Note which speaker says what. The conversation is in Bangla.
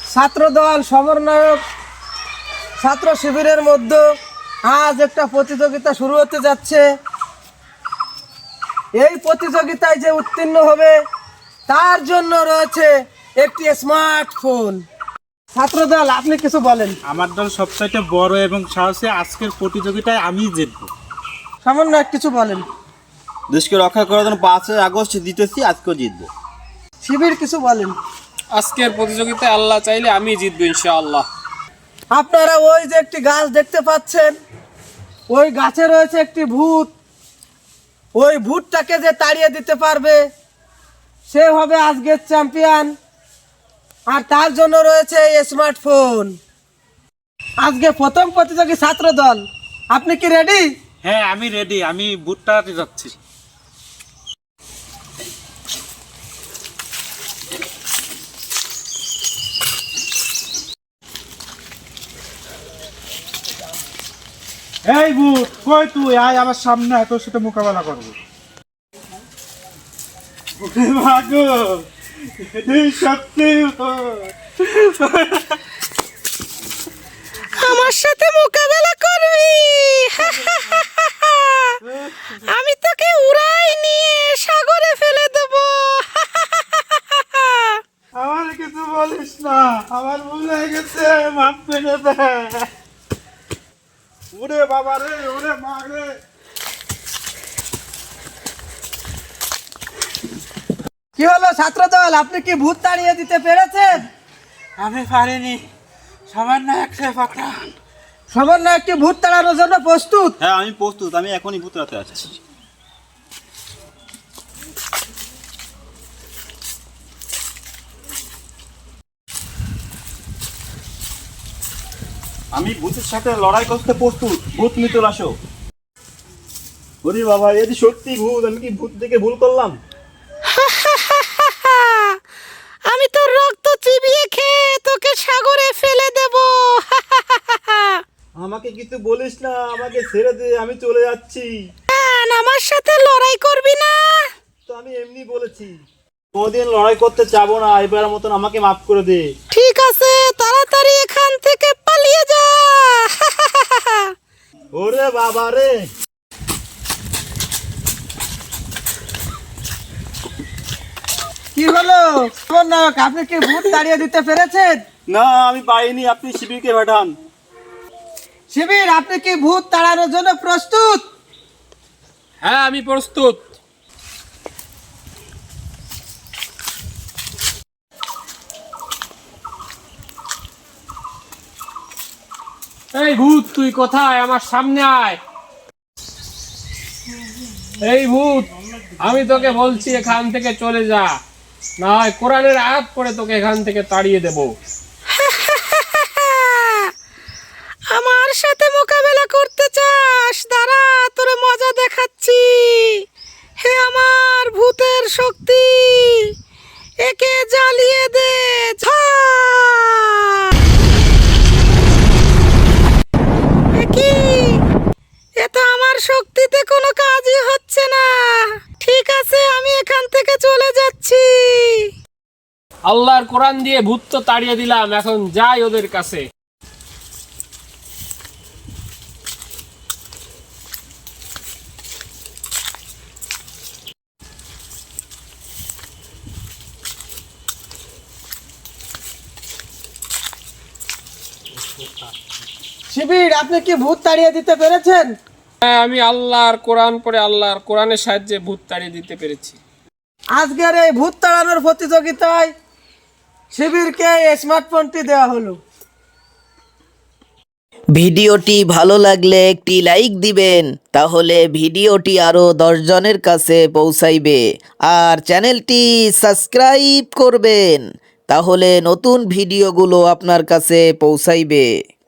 Speaker 1: ছাত্রদল সমন্বয়ক ছাত্র শিবিরের মধ্যে আজ একটা প্রতিযোগিতা শুরু হতে যাচ্ছে। এই প্রতিযোগিতায় যে উত্তীর্ণ হবে তার জন্য রয়েছে একটি স্মার্টফোন। ছাত্রদল, আপনি কিছু বলেন।
Speaker 2: আমার দল সবচাইতে বড় এবং সাহসী। আজকের প্রতিযোগিতায় আমি জিতব।
Speaker 1: সমন্বয়ক কিছু বলেন।
Speaker 3: দেশকে রক্ষা করার জন্য 5ই আগস্ট জিতেছি, আজকেও জিতবো।
Speaker 1: শিবির কিছু বলেন।
Speaker 4: আজকের প্রতিযোগিতায় আল্লাহ চাইলে আমি জিতবো ইনশাআল্লাহ।
Speaker 1: আপনারা ওই যে একটি গাছ দেখতে পাচ্ছেন, ওই গাছে রয়েছে একটি ভূত। ওই ভূতটাকে যে তাড়িয়ে দিতে পারবে সে হবে আজকের চ্যাম্পিয়ন, আর তার জন্য রয়েছে এই স্মার্টফোন। আজকে প্রথম প্রতিযোগী ছাত্র দল, আপনি কি রেডি?
Speaker 2: হ্যাঁ, আমি রেডি। আমি বুটটাতে যাচ্ছি। এই বুট, কই তুই? আয় আমার সামনে, তোর সাথে মোকাবেলা করবো। ভাগো, এই সত্যি
Speaker 5: আমার সাথে মোকাবেলা করবি? আমি তোকে উড়াই নিয়ে সাগরে ফেলে দেব।
Speaker 2: আমার কিছু বলিস না, আমার ভুল হয়ে গেছে, মাফ করে দে। ওরে বাবা রে, ওরে মা রে।
Speaker 1: কি হলো ছাত্র দল, আপনি কি ভূত তাড়িয়ে দিতে পেরেছেন?
Speaker 2: আমি পারিনি, সামান্য একটা পাকড়া।
Speaker 1: সমন্বয়ক কি ভূত তাড়ানোর জন্য প্রস্তুত?
Speaker 3: হ্যাঁ, আমি প্রস্তুত। আমি এখনই ভূতরাতে আসছি। আমি ভূতের সাথে লড়াই করতে প্রস্তুত। ভূত মিতুল আসো। ওরে বাবা, এদি সত্যি ভূত। আমি কি ভূত দেখে ভুল করলাম?
Speaker 5: আমি তোর রক্ত চিবিয়ে খেয়ে তোকে সাগরে ফেলে দেব।
Speaker 3: আমাকে কিছু বলিস না, আমাকে ছেড়ে দে, আমি চলে যাচ্ছি।
Speaker 5: আমার সাথে লড়াই করবি না?
Speaker 3: তো আমি এমনি বলেছি, কোনদিন লড়াই করতে চাবো না। এবারের মতন আমাকে মাফ করে দে।
Speaker 5: ঠিক আছে, তাড়াতাড়ি এখান থেকে পালিয়ে যা।
Speaker 3: ওরে বাবা রে।
Speaker 1: কি হলো সমন্বয়ক, আপনি কি ভূত তাড়িয়ে দিতে পেরেছেন?
Speaker 3: না, আমি পাইনি। আপনি শিবিরকে পাঠান।
Speaker 1: শিবির, আপনি কি ভূত তাড়ানোর জন্য প্রস্তুত?
Speaker 4: হ্যাঁ, আমি প্রস্তুত। এই ভূত, তুই কোথায়? আমার সামনে আয়। এই ভূত, আমি তোকে বলছি এখান থেকে চলে যা, না হয় কোরআনের আয়াত পড়ে তোকে এখান থেকে তাড়িয়ে দেব।
Speaker 5: আমার সাথে মোকাবেলা করতে চাস? দাঁড়া, তোরে মজা দেখাচ্ছি। হে আমার ভূতের শক্তি, একে জ্বালিয়ে দে। কি, এ তো আমার শক্তিতে কোনো কাজই হচ্ছে না। ঠিক আছে, আমি এখান থেকে চলে যাচ্ছি।
Speaker 4: আল্লাহর কোরআন দিয়ে ভূত তো তাড়িয়ে দিলাম, এখন যাই ওদের কাছে।
Speaker 1: শিবির, আপনি কি ভূত তাড়িয়ে দিতে পেরেছেন?
Speaker 4: হ্যাঁ, আমি আল্লাহর কোরআন পড়ে আল্লাহর কোরআনের সাহায্যে ভূত তাড়িয়ে দিতে পেরেছি।
Speaker 1: আজকের এই ভূত তাড়ানোর প্রতিযোগিতায় শিবিরকে এই স্মার্টফোনটি দেওয়া হলো।
Speaker 6: ভিডিওটি ভালো লাগলে একটি লাইক দিবেন, তাহলে ভিডিওটি আরও 10 জনের কাছে পৌঁছাইবে। আর চ্যানেলটি সাবস্ক্রাইব করবেন, তাহলে নতুন ভিডিওগুলো আপনার কাছে পৌঁছাইবে।